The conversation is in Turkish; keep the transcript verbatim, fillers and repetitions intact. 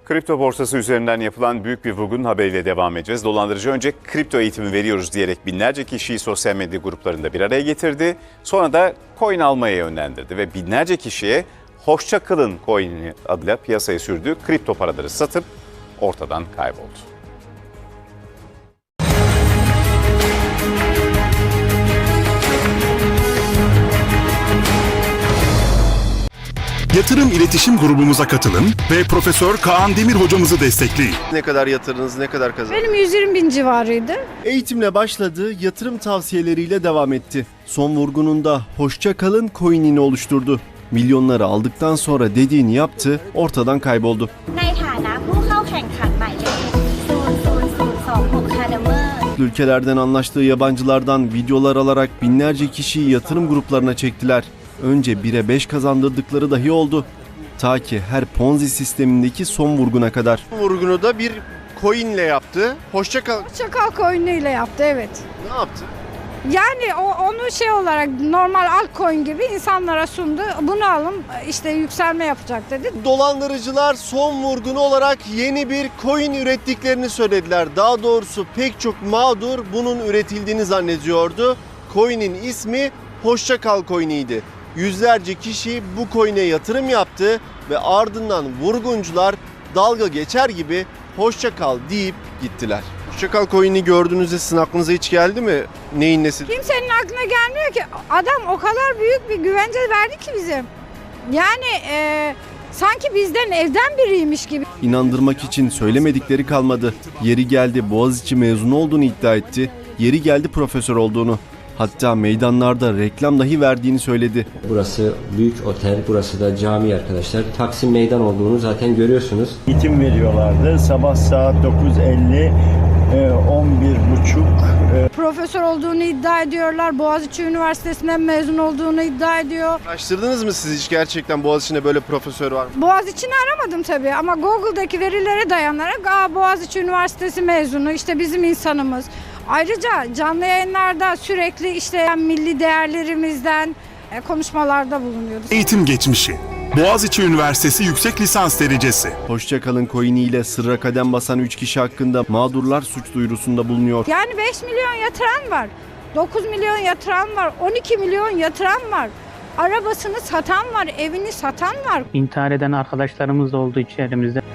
Kripto borsası üzerinden yapılan büyük bir vurgunun haberiyle devam edeceğiz. Dolandırıcı önce kripto eğitimi veriyoruz diyerek binlerce kişiyi sosyal medya gruplarında bir araya getirdi. Sonra da coin almaya yönlendirdi ve binlerce kişiye hoşça kalın coin'i adıyla piyasaya sürdüğü kripto paraları satıp ortadan kayboldu. Yatırım İletişim grubumuza katılın ve Profesör Kaan Demir hocamızı destekleyin. Ne kadar yatırdınız, ne kadar kazandınız? Benim yüz yirmi bin civarıydı. Eğitimle başladı, yatırım tavsiyeleriyle devam etti. Son vurgununda hoşça kalın coin'ini oluşturdu. Milyonları aldıktan sonra dediğini yaptı, ortadan kayboldu. ในฐานะผู้เข้าแข่งขันหมายเลข ศูนย์ ศูนย์ ศูนย์ สอง หก Academy Ülkelerden anlaştığı yabancılardan videolar alarak binlerce kişiyi yatırım gruplarına çektiler. Önce bire beş kazandırdıkları dahi oldu. Ta ki her Ponzi sistemindeki son vurguna kadar. Vurgunu da bir coin'le yaptı. Hoşça kal. Çakal coin'iyle yaptı, evet. Ne yaptı? Yani o, onu şey olarak normal altcoin gibi insanlara sundu. Bunu alın, işte yükselme yapacak dedi. Dolandırıcılar son vurgunu olarak yeni bir coin ürettiklerini söylediler. Daha doğrusu pek çok mağdur bunun üretildiğini zannediyordu. Coin'in ismi Hoşça Kal coin'iydi. Yüzlerce kişi bu coin'e yatırım yaptı ve ardından vurguncular dalga geçer gibi hoşça kal deyip gittiler. Hoşça Kal coin'i gördüğünüzde sizin aklınıza hiç geldi mi? Neyin nesi? Kimsenin aklına gelmiyor ki. Adam o kadar büyük bir güvence verdi ki bize. Yani e, sanki bizden evden biriymiş gibi. İnandırmak için söylemedikleri kalmadı. Yeri geldi Boğaziçi mezunu olduğunu iddia etti. Yeri geldi profesör olduğunu. Hatta meydanlarda reklam dahi verdiğini söyledi. Burası büyük otel, burası da cami arkadaşlar. Taksim Meydan olduğunu zaten görüyorsunuz. Eğitim veriyorlardı. Sabah saat dokuz elli, on bir buçuk. Profesör olduğunu iddia ediyorlar. Boğaziçi Üniversitesi'nden mezun olduğunu iddia ediyor. Araştırdınız mı siz hiç gerçekten Boğaziçi'nde böyle profesör var mı? Boğaziçi'ni aramadım tabii ama Google'daki verilere dayanarak Aa, Boğaziçi Üniversitesi mezunu, işte bizim insanımız. Ayrıca canlı yayınlarda sürekli işte milli değerlerimizden e, konuşmalarda bulunuyordu. Eğitim geçmişi. Boğaziçi Üniversitesi yüksek lisans derecesi. Hoşça kalın coin'iyle sırra kadem basan üç kişi hakkında mağdurlar suç duyurusunda bulunuyor. Yani beş milyon yatıran var, dokuz milyon yatıran var, on iki milyon yatıran var. Arabasını satan var, evini satan var. İntihar eden arkadaşlarımız da oldu içerimizde.